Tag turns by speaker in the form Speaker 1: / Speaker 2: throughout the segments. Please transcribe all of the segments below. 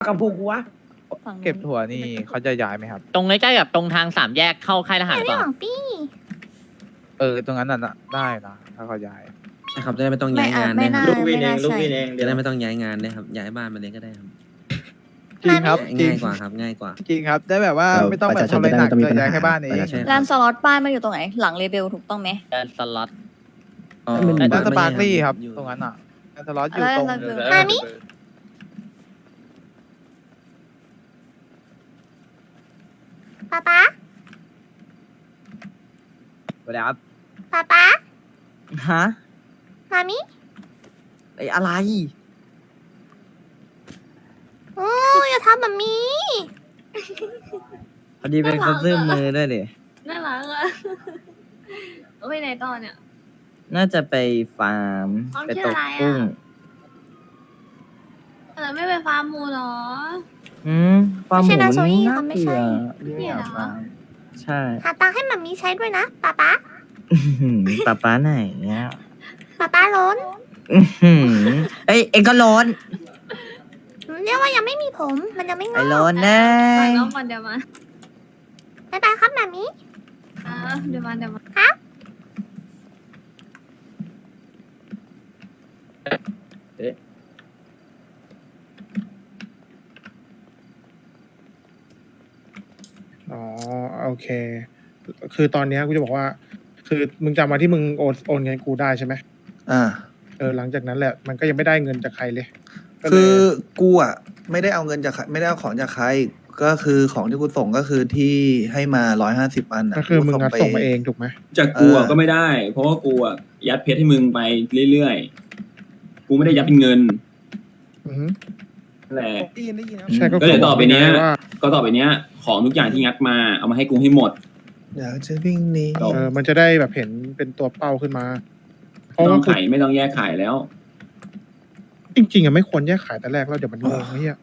Speaker 1: กับพวกกูวะ
Speaker 2: ฝั่งนู้น
Speaker 3: เก็บถั่วนี่เขาจะย้ายไหมครับ
Speaker 4: ตรงใกล้ๆกับตรงทางสามแยกเข้าค่ายทหาร
Speaker 5: ไม่
Speaker 4: ก่อน
Speaker 5: หวังปี้
Speaker 3: ตรงนั้นน่ะได้นะถ้าเขาย้าย
Speaker 6: ใช่ครับจะได้ไม่ต้องย้ายงาน
Speaker 2: ไม่
Speaker 6: ได้ค
Speaker 2: น่า
Speaker 6: รับ
Speaker 2: ไม่น่าใช่
Speaker 6: จะได้ไม่ต้องย้ายงานได้ครับย้ายบ้านมาเลยก็ได้ครับ
Speaker 3: จริงครับจริ
Speaker 6: ง่าง ยกว่าครับง่ายกว่า
Speaker 3: จริงครับได้แบบว่าไม่ต้องแบบทำอะไรหนักเลยย้ายแค่บ้านเอง
Speaker 6: ใช่ครับ
Speaker 2: ร้านสล็อตป้ายมันอยู่ตรงไหน หลังเรเบลถูกต้องไหม
Speaker 4: เดินสล็อต
Speaker 6: อ๋อ
Speaker 3: ร้านสปาร์คลี่ครับ
Speaker 6: อยู่
Speaker 3: ตรงนั้นอ่ะร้านสล็อตอยู่ตรง
Speaker 5: มามิป๊าป๊า
Speaker 1: สวัสดีครับ
Speaker 5: ป๊าป๊า
Speaker 1: ฮะ
Speaker 5: มามิ
Speaker 1: ไอ้อะไร
Speaker 5: โอ้ยอย่าทำแบบนี้
Speaker 1: พอดีเป็นคนซื้อมือด้วยดิ
Speaker 7: น่ารักอ่ะ ไปไหนต่อเนี่ย
Speaker 1: น่าจะไปฟาร์ม
Speaker 7: ฟาร์ม
Speaker 1: ไป
Speaker 7: ชื่
Speaker 1: ต
Speaker 7: อก อะไรอะ
Speaker 1: กุ้ง
Speaker 7: แต่ไม่ไปฟาร์มหมูเหรอ
Speaker 1: ฟาร์มหมู
Speaker 5: ไม่ใช่นาโซอี้
Speaker 1: น่า
Speaker 5: เขาไม่
Speaker 1: เบื่
Speaker 5: ใช่
Speaker 1: อ
Speaker 7: นี่เหรอ
Speaker 1: ใช่
Speaker 5: หาตังค์ให้มามิใช้ด้วยนะป๊าป๊า
Speaker 1: ป๊าป๊าไหนเนี่ย
Speaker 5: ป๊าป๊าล้น
Speaker 1: เอ้ยเอ็งก็ร้อน
Speaker 5: เรียกว่ายังไม่มีผม มันยังไม่ง
Speaker 1: ไอ้
Speaker 5: อก
Speaker 1: ร้อนแน่
Speaker 7: ก่อนน้องก่อนเดี๋ยวมา
Speaker 5: บ๊ายบายครับมามิ
Speaker 7: เดี๋ยวมาเดี๋ยวมา
Speaker 8: อ๋อโอเค คือตอนเนี้ยกูจะบอกว่า คือมึงจำมาที่มึงโอนเงินกูได้ใช่ไหม หลังจากนั้นแหละมันก็ยังไม่ได้เงินจากใครเลยก็เลย
Speaker 9: คือกูอ่ะไม่ได้เอาเงินจากใครไม่ได้เอาของจากใคร ก็คือของที่กูส่งก็คือที่ให้มา150 อันน่ะ
Speaker 8: ก็คือมึง
Speaker 9: กู
Speaker 8: งัดส่งมาเองถูกไหม
Speaker 10: จากกูอะก็ไม่ได้ เพราะว่ากูอะยัดเพชรให้มึงไปเรื่อยๆ กูไม่ได้ยัดเป็นเงิน
Speaker 8: อือฮึ
Speaker 10: นั่นแหละ
Speaker 3: ได้ยินครับ
Speaker 8: ใช่ก็
Speaker 10: ก็เดี๋ยวต่อไปเนี้ย
Speaker 8: ว่า
Speaker 10: ก็ต่อไปเนี้ย ของทุกอย่างที่งัดมาเอามาให้กูให้หมด
Speaker 9: อยากจะวิ่งหนี
Speaker 8: มันจะได้แบบเห็นเป็นตัวเป้าขึ้นมาเพ
Speaker 10: ไม่
Speaker 8: ราะ
Speaker 10: ต้อ
Speaker 8: ว่าง
Speaker 10: ขายไม่ต้องแยกขายแล้ว
Speaker 8: จริงๆอะไม่ควรแยกขายแต่แรกแล้วเดี๋ยวมันงงไอ้เหี้ย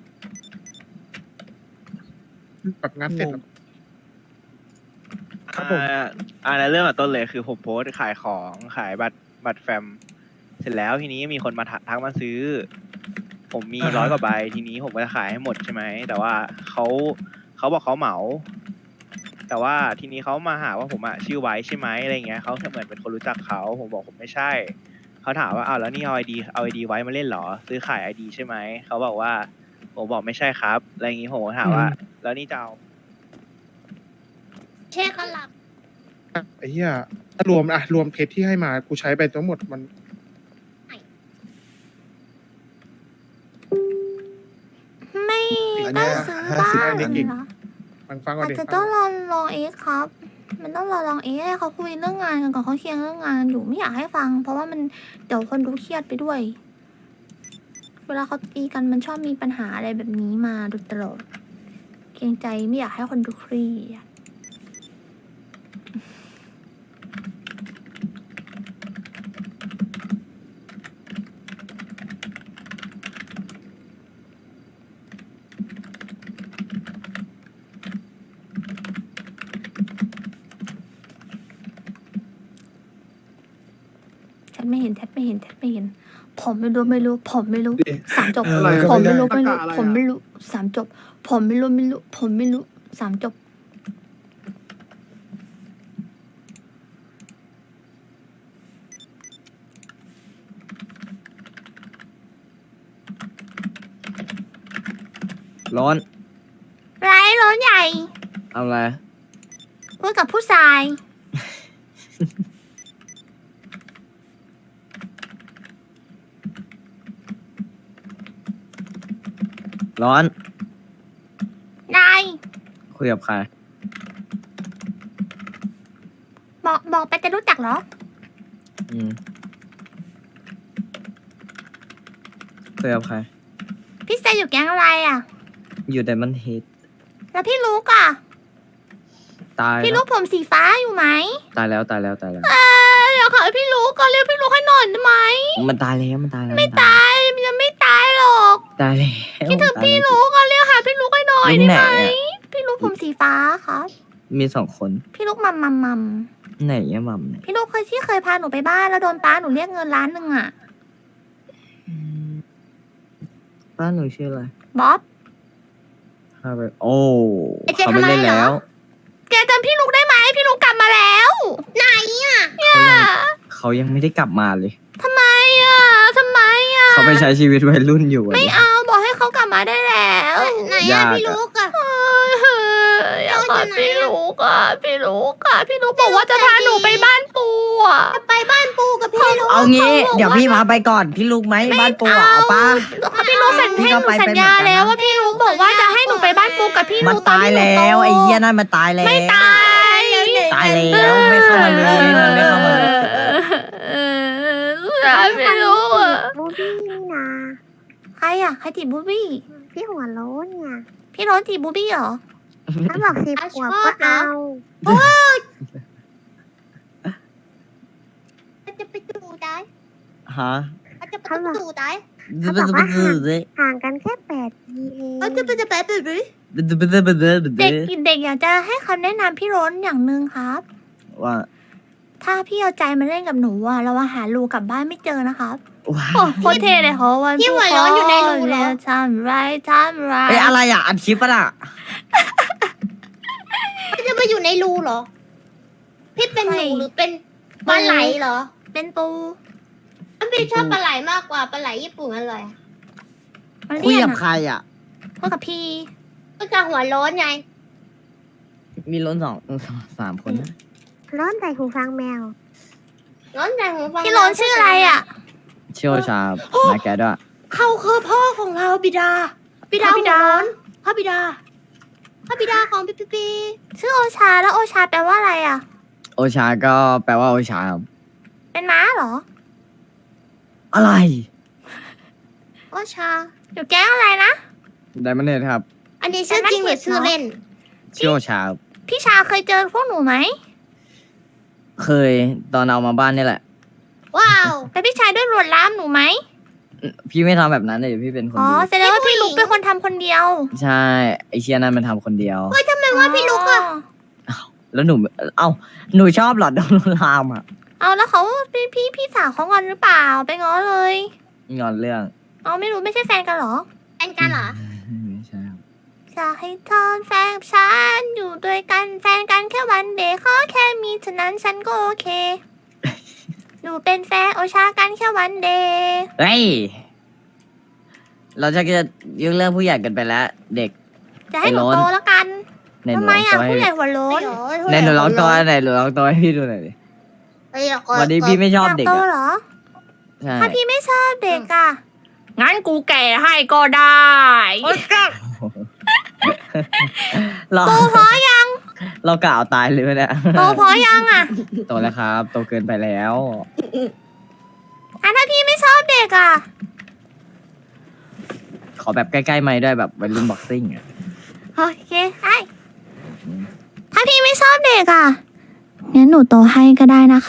Speaker 8: แบบงัดเสร็จแล้ว ครับผม
Speaker 3: ในเรื่องต้นเลยคือผมโพสต์ขายของขายบัตรแฟม เสร็จแล้วทีนี้มีคนมาทักมาซื้อ ผมมี100 กว่าใบทีนี้ผมก็จะขายให้หมดใช่ไหมแต่ว่าเขาบอกเขาเหมา แต่ว่าทีนี้เขามาหาว่าผมอะชื่อไว้ใช่ไหมอะไรเงี้ยเขาเหมือนเป็นคนรู้จักเขาผมบอกผมไม่ใช่เขาถามว่าอ้าวแล้วนี่เอาไอดีไว้มาเล่นเหรอซื้อขายไอดีใช่ไหมเขาบอกว่าผมบอกไม่ใช่ครับอะไรอย่างงี้ผมก็ถามว่า แล้วนี่จะเอา
Speaker 5: เช็คกันหลับ
Speaker 8: ไอ้เหี้ยถ้ารวมเพชรที่ให้มากูใช้ไปทั้งหมดมัน
Speaker 5: ไม่
Speaker 9: อัน
Speaker 5: ต้อ
Speaker 9: เนี้
Speaker 5: ง
Speaker 9: ย
Speaker 5: ซื้อ
Speaker 9: 50
Speaker 5: บ้าน
Speaker 9: อัน
Speaker 5: เหรอ
Speaker 8: ฟังก่อน
Speaker 5: อาจ
Speaker 8: ดิ
Speaker 5: จะต้องลองเอ็กซ์ครับ มันต้องลองเอ็กซ์ให้เขาคุยเรื่องงานกันก่อนเขาเคลียร์เรื่องงานอยู่ไม่อยากให้ฟัง เพราะว่ามันเดี๋ยวคนดูเครียดไปด้วย เวลาเขาตีกันมันชอบมีปัญหาอะไรแบบนี้มาโดยตลอดเกรงใจไม่อยากให้คนดูเครียด แทบไม่เห็น ผมไม่รู้ สามจบ
Speaker 9: อะไร
Speaker 5: ผมไม่รู้
Speaker 8: ตะกะอะไรอะ
Speaker 5: ผมไม่รู้สามจบ ผมไม่รู้สามจบ
Speaker 1: ร้อน
Speaker 5: ไรร้อนใหญ่
Speaker 1: เอาอะไร
Speaker 5: พูดกับผู้ชาย
Speaker 1: ร้อน
Speaker 5: นาย
Speaker 1: คุยกับใคร
Speaker 5: บอกไปจะรู้จักเหรอ
Speaker 1: อืมคุยกับใคร
Speaker 5: พี่เซอยู่แก๊งอะไรอ่ะ
Speaker 1: อยู่แต่มันเฮด
Speaker 5: แล้วพี่ลูกอ่ะ
Speaker 1: ตาย
Speaker 5: พี่
Speaker 1: แล้
Speaker 5: ลู
Speaker 1: ว
Speaker 5: กผมสีฟ้าอยู่ไหม
Speaker 1: ตายแล้ว
Speaker 5: เดี๋ยวขอให้พี่ลูกก็เรียกพี่ลูกให้หน่อยได้ไหม
Speaker 1: มันตายแล้วมันตายแล้ว
Speaker 5: ไม่ตายมันยังไม่ตายหรอก
Speaker 1: ตายแล้ว
Speaker 5: คิดถึง
Speaker 1: ตาย
Speaker 5: พี่
Speaker 1: แล้ว
Speaker 5: ลูกก็เรียกหาพี่ลูกให้หน่อย
Speaker 1: ลูก
Speaker 5: ได้
Speaker 1: ไหน
Speaker 5: ไหม
Speaker 1: อะ
Speaker 5: พี่ลูกผมสีฟ้าครับ
Speaker 1: มี2 คน
Speaker 5: พี่ลูกมัม
Speaker 1: ไหนอะมัมเนี่ย
Speaker 5: พี่ลูกเคยพาหนูไปบ้านแล้วโดนป้าหนูเรียกเงิน1 ล้านอ่ะ
Speaker 1: ป้าหนูชื่ออะไร
Speaker 5: บ๊อบ
Speaker 1: ถ้าไปโอ้
Speaker 5: ไอ้เจ
Speaker 1: เขาไม่
Speaker 5: ทำอะไร
Speaker 1: เล่น
Speaker 5: เหรอ
Speaker 1: แล้ว
Speaker 5: แกจำพี่ลุกได้ไหมพี่ลุกกลับมาแล้ว ไหนอ่ะ
Speaker 1: เขายังไม่ได้กลับมาเลย
Speaker 5: ทำไมอ่ะทำไมอ่ะ
Speaker 1: เขาไปใช้ชีวิตวัยรุ่นอยู่อะ
Speaker 5: ไม่
Speaker 1: ดิ
Speaker 5: เอาบอกให้เขากลับมาได้แล้วไหน
Speaker 1: ยา
Speaker 5: อ่ะ
Speaker 1: ก
Speaker 5: พี่
Speaker 1: อะ
Speaker 5: ลุกอ่ะอยากกอดพี่ลุกอ่ะพี่ลุกอ่ะพี่ลุกบอกว่าจะพาหนูไปบ้านปูอ่ะไปบ้านปูกับพี่ลุก
Speaker 1: เอางี้ เดี๋ยวพี่พาไปก่อน พี่ลูกไหมบ้านปูอะเอาป้า
Speaker 5: พี่ลุกสัญ
Speaker 1: พี่
Speaker 5: ญา
Speaker 1: ก็ไป
Speaker 5: สัญญา
Speaker 1: เป็นเหมือนกันนะ
Speaker 5: แล้วว่าพี่ลุกบอกว่าจะให้หนูไปบ้านปูกับพี่
Speaker 1: มั
Speaker 5: ลุ
Speaker 1: น
Speaker 5: กตอน
Speaker 1: ตาย
Speaker 5: ที่หนู
Speaker 1: แล้ว
Speaker 5: โต
Speaker 1: ไอ้เหี้ยนั่นมันตายแล้ว
Speaker 5: ไม่ตาย
Speaker 1: ตายแล้วไม่เข้ามาเลยมันไม่เข้ามาเลย
Speaker 5: ไม่รู้อ่ะ
Speaker 11: บูบี้นี่นะ
Speaker 5: ใครอ่ะใครจีบบูบี้
Speaker 11: พี่หัวโล้นเนี่ย
Speaker 5: พี่โร้อนจีบบูบี้เหรอ
Speaker 11: ถ้าบอก10 ขวบก็เอา
Speaker 5: จะไปดูได้
Speaker 1: ฮะ
Speaker 5: จะไปดูได้
Speaker 11: เขาบอกว่าห่างกันแค่8 ปีเอง
Speaker 5: จะไปดูดิเด็กเด็กอยากจะให้คำแนะนำพี่โร้นอย่างหนึ่งครับ
Speaker 1: ว่า
Speaker 5: ถ้าพี่เอาใจมาเล่นกับหนูอ่ะเราหารูกลับบ้านไม่เจอนะครับ
Speaker 1: ว้า
Speaker 5: โอ้โคตรเท่เลยเขาวัน
Speaker 2: พี่หัวร้อนอยู่ในรูเหรอ
Speaker 5: ทำไรทำไร
Speaker 1: เอ้ยอะไรอ่ะอัดคลิปปะล่ะ
Speaker 2: จะมาอยู่ในรูเหรอ พี่เป็นหนูหรือเป็นปลาไหลเหรอ
Speaker 5: เป็นปู
Speaker 2: พี่ชอบปลาไหลมากกว่าปลาไหลญี่ปุ่นอร่อย
Speaker 5: มัน
Speaker 1: คุย
Speaker 5: เรียน
Speaker 1: กับ
Speaker 5: อะ
Speaker 1: ใครอ่ะ
Speaker 5: พูดกับพี่
Speaker 2: ก็จะหัวร้อนไง
Speaker 1: มีล้นสามคนนะ
Speaker 11: ร้อนใส่หูฟังแมว
Speaker 2: ร้อนใจหูฟัง
Speaker 5: พี่โร้นชื่ออะไรอ่ะ
Speaker 1: เชี่ยวชาญนะแกด้วย
Speaker 2: เขาคือพ่อของเราบิดา บิดาหัวร้อนพระบิดาพระบิดาของพี่ปี
Speaker 5: ชื่อโอชาแล้วโอชาแปลว่าอะไรอ่ะ
Speaker 1: โอชาก็แปลว่าโอชาครับ
Speaker 5: เป็นม้าเหรอ
Speaker 1: อะไร
Speaker 2: โอชา
Speaker 5: อยู่แก๊งอะไรนะ
Speaker 1: ไดมอนเนตครับ
Speaker 2: อันนี้ชื่อจริงหรือชื่อเล่น
Speaker 1: ชื่อโอชาครับ
Speaker 5: พี่ชาเคยเจอพวกหนูไหม
Speaker 1: เคยตอนเอามาบ้านนี่แหละ
Speaker 2: ว้าว
Speaker 5: แต่พี่ชายด้วยลวนลามหนูไหม
Speaker 1: พี่ไม่ทำแบบนั้นเลยพี่เป็นคน
Speaker 5: อ๋อ
Speaker 1: ดี
Speaker 5: แสดงว่าพี่ลุกเป็นคนทำคนเดียว
Speaker 1: ใช่ไอเชียนั่นมันทำคนเดียว
Speaker 2: ทำไมว่าพี่ลุกอะ
Speaker 1: แล้วหนูเอ้าหนูชอบเหรอโดนลวนลามอ่ะ
Speaker 5: เอาแล้วเขาพี่สาวเขางอนหรือเปล่าไปง้อเลย
Speaker 1: งอนเรื่อง
Speaker 5: เอาไม่รู้ไม่ใช่แฟนกันเหรอ
Speaker 2: แฟนกันเหรอ
Speaker 1: ไม่ใช่ครับ
Speaker 5: จะให้เธอแฟนกับฉันอยู่ด้วยกันแฟนกันแค่วันเดย์ขอแค่มีเท่านั้นฉันก็โอเค หนูเป็นแฟนโอชากันแค่วันเดย์
Speaker 1: เฮ้ยเราจะยุ่งเรื่องผู้ใหญ่กันไปแล้ว เด็ก
Speaker 5: จะให้หนู
Speaker 1: ไอ้โล้น
Speaker 5: โตแล้วกัน
Speaker 1: ในห
Speaker 5: ทำ
Speaker 1: นู
Speaker 5: ไม
Speaker 1: ร้อง
Speaker 5: อ่ะ
Speaker 1: ตัวให้
Speaker 5: ผู้ใหญ่หัวโล้น
Speaker 1: ในหนูร้องตัวไหนหนูร้องตัวให้พี่ดูหน่อยดิวันนี้พี่ไม่ชอบเด็ก
Speaker 5: โต
Speaker 1: อ่ะ
Speaker 5: เหรอ
Speaker 1: ใช่
Speaker 5: ถ้าพี่ไม่ชอบเด็กอ่ะ งั้นกูแก่ให้ก็ได้
Speaker 1: เรา
Speaker 5: โตพอยัง
Speaker 1: เรากล่าวตายเลยเนี่ย
Speaker 5: โตพอยังอ่ะ
Speaker 1: โตแล้วครับ โตเกินไปแล้ว
Speaker 5: อ่ะถ้าพี่ไม่ชอบเด็กอ่ะ
Speaker 1: ขอแบบใกล้ๆไม่ด้วยแบบวัยรุ่นบ็อกซิ่งอ่ะ
Speaker 5: โอเคไอ้ถ้าพี่ไม่ชอบเด็กอ่ะ งั้นหนูโตให้ก็ได้นะคะ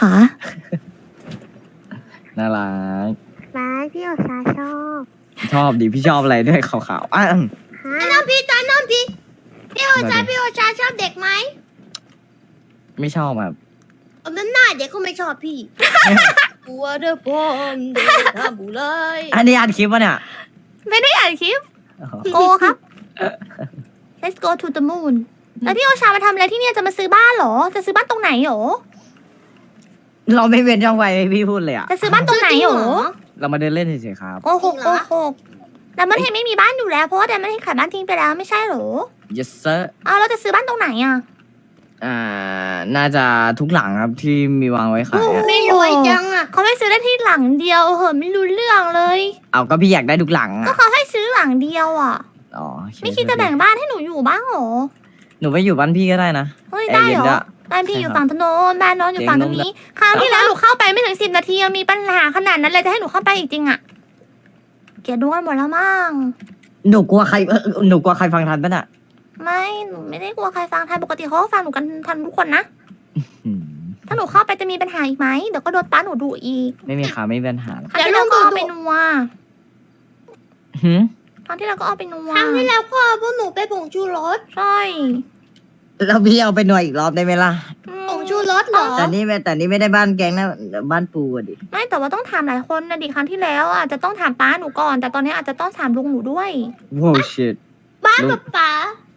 Speaker 1: น่ารัก
Speaker 11: ร้ายพี่โอชาชอบ
Speaker 1: ชอบดิพี่ชอบอะไรด้วยขาวๆอ่ะ
Speaker 11: ฮะ
Speaker 2: น้องพี่ตอนน้องพี่พี่โอชาพี่โอชาชอบเด็กไหม
Speaker 1: ไม่ชอบแบบ
Speaker 2: เอามันหน้าเด็กก็ไม่ชอบพี่กลัวเด้อพ่อมเด็กทำบุไร
Speaker 1: อันนี้อัดคลิปวะเนี่ย
Speaker 5: ไม่ได้อ่านคลิป โกครับ Let's go to the moon แล้วพี่โอชามาทำอะไรที่เนี่ยจะมาซื้อบ้านเหรอ จะซื้อบ้านตรงไหนหรอ
Speaker 1: เราไม่เว้นช่องไว้ให้พี่พูดเลยอ่ะ
Speaker 5: จะซื้อบ้านตรงไหนหรอ
Speaker 1: เรามาเดินเล่นเฉยๆครับ
Speaker 5: โกหกโกหกแต่มันเห็นไม่มีบ้านอยู่แล้ว เพราะว่าแต่มันเห็นขายบ้านทิ้งไปแล้วไม่ใช่เหรอ
Speaker 1: yes sir
Speaker 5: อ้าวเราจะซื้อบ้านตรงไหนอ่ะ
Speaker 1: น่าจะทุกหลังครับที่มีวางไว้ขายอะ
Speaker 2: ไม่รวยจังอ่ะ
Speaker 5: เขาไม่ซื้อได้ที่หลังเดียวเหอะไม่รู้เรื่องเลย
Speaker 1: เอาก็พี่อยากได้ทุกหลัง
Speaker 5: ก็
Speaker 1: อ่ะ
Speaker 5: เขาให้ซื้อหลังเดียวอ่ะ
Speaker 1: อ๋อโอเค
Speaker 5: ไม่คิดจะแบ่งบ้านให้หนูอยู่บ้างเหรอ
Speaker 1: หนูไปอยู่บ้านพี่ก็ได้นะ
Speaker 5: เฮ้ยได้เหร
Speaker 1: แอร์เย็น
Speaker 5: อ
Speaker 1: ด้วย
Speaker 5: บ้านพี่อยู่
Speaker 1: ใช่ครับ
Speaker 5: ฝั่งถนนบ้านน้องอยู่ฝั่งตรงนี้ คราวที่แล้วหนูเข้าไปไม่ถึง10 นาทียังมีปัญหาขนาดนั้นเลยจะให้หนูเข้าไปอีกจริงอ่ะเกลียดดูกันหมดแล้วมั้ง
Speaker 1: หนูกลัวใครหนูกลัวใครฟังทันปะน่ะ
Speaker 5: ไม่หนูไม่ได้กลัวใครฟังไทยปกติเขาก็ฟังหนูกันทันทุกคนนะ
Speaker 1: อืม
Speaker 5: ถ้าหนูเข้าไปจะมีปัญหาอีกไหมเดี๋ยวก็โดนป้าหนูดุอีก
Speaker 1: ไม่มีค่ะไม่มีปัญหาหรอก
Speaker 5: ครั้งที่แล้วก็เอาไปนัว
Speaker 1: หืม
Speaker 5: ครั้งที่แล้วก็เอาไปนัว
Speaker 2: ครั้งที่แล้วก็เอาพวกหนูไปผงชูรส
Speaker 5: ใช่
Speaker 1: แล้วพี่เอาไปหน่วยอีกรอบได้ไหมล่ะ
Speaker 2: ผงชูรสเหรอ
Speaker 1: แต่นี่ไม่ได้บ้านแกงนะบ้านปูอะดิ
Speaker 5: ไม่แต่ว่าต้องถามหลายคนนะดิครั้งที่แล้วอาจจะต้องถามป้าหนูก่อน แต่ตอนนี้อาจจะต้องถามลุงหนูด้วย
Speaker 1: ว้าวชิต
Speaker 2: บ้านกับป๋า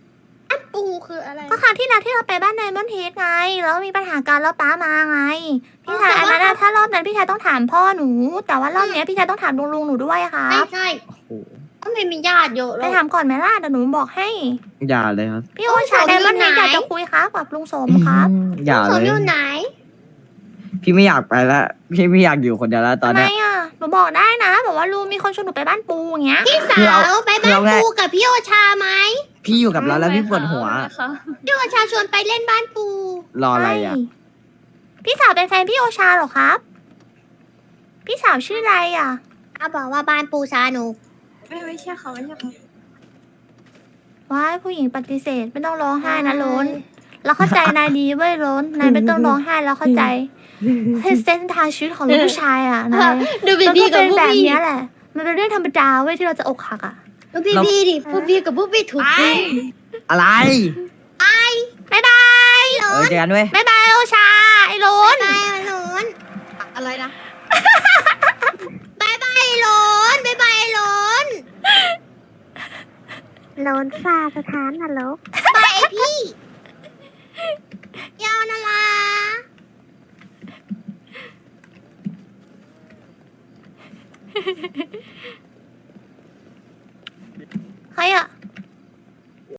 Speaker 5: ครั้งที่แล้วที่เราไปบ้านไดมอนด์เฮดไงแล้วมีปัญหากันแล้วป้ามาไงพี่ชายอันนั้นถ้ารอบนั้นพี่ชายต้องถามพ่อหนู แต่ว่ารอบนี้พี่ชายต้องถามลุงหนูด้วยค่ะ
Speaker 2: ใช่ก็ไม่มีญาติเยอะ
Speaker 5: ไปถามก่อนไหมล่ะเดี๋ยวหนูบอกให้
Speaker 1: อย่าเลยครับ
Speaker 5: พี่โอชาไดมอนด์เฮดอยากจะคุยครับกับลุงสมครับ
Speaker 1: อย่า
Speaker 2: ส
Speaker 1: เล
Speaker 2: ม
Speaker 1: ย
Speaker 2: อยู่ไหน
Speaker 1: พี่ไม่อยากไปแล้วพี่ไม่อยากอยู่คนเดียวแล้วตอน
Speaker 5: ทำไม
Speaker 1: เนี้ย
Speaker 5: อ่ะหนูบอกได้นะบอกว่าลุงมีคนชวนหนูไปบ้านปูอย่างเงี้ย
Speaker 2: พี่สาวไปบ้านปูกับพี่โอชาไหม
Speaker 1: พี่อยู่กับเราแล้วพี่ปวดหัว
Speaker 2: พี่โอชาชวนไปเล่นบ้านปู
Speaker 1: รออะไรอ่ะ
Speaker 5: ใช่พี่สาวเป็นแฟนพี่โอชาเหรอครับ พี่สาวชื่ออะไรอ่ะ
Speaker 2: บอกว่าบ้านปูชาหนู
Speaker 7: ไม่ใช่เขาไม่ใช่เขา
Speaker 5: ว้ายผู้หญิงปฏิเสธไม่ต้องร้องไห้นะล้นเราเข้าใจนายดีเว้ยล้นนายไม่ต้องร้องไห้แล้วเข้าใจเส้นทางชีวิตของลูกผู้ชายอ่ะนาย
Speaker 2: ดู
Speaker 5: มัน
Speaker 2: พี่
Speaker 5: ก็
Speaker 2: กับ
Speaker 5: เป็น
Speaker 2: พวก
Speaker 5: แบบ
Speaker 2: พี่
Speaker 5: เนี้ยแหละ มันเป็นเรื่องธรรมดาเว้ยที่เราจะอกหักอ่ะ
Speaker 2: ดูพี่ดิพวกพี่กับพวกพี่ถูกทิ้ง
Speaker 1: อะไร
Speaker 5: บ๊ายบาย
Speaker 1: เจอกันเว้ย
Speaker 5: บ๊ายบายโอชาไอ้ล้น
Speaker 2: บายหลน
Speaker 7: อะไรนะ
Speaker 2: บายบายหลนบายบายหลน
Speaker 11: โลนซาสถานนรก
Speaker 2: บายไอพี่ยาวนาลา
Speaker 5: ใครอ่ะ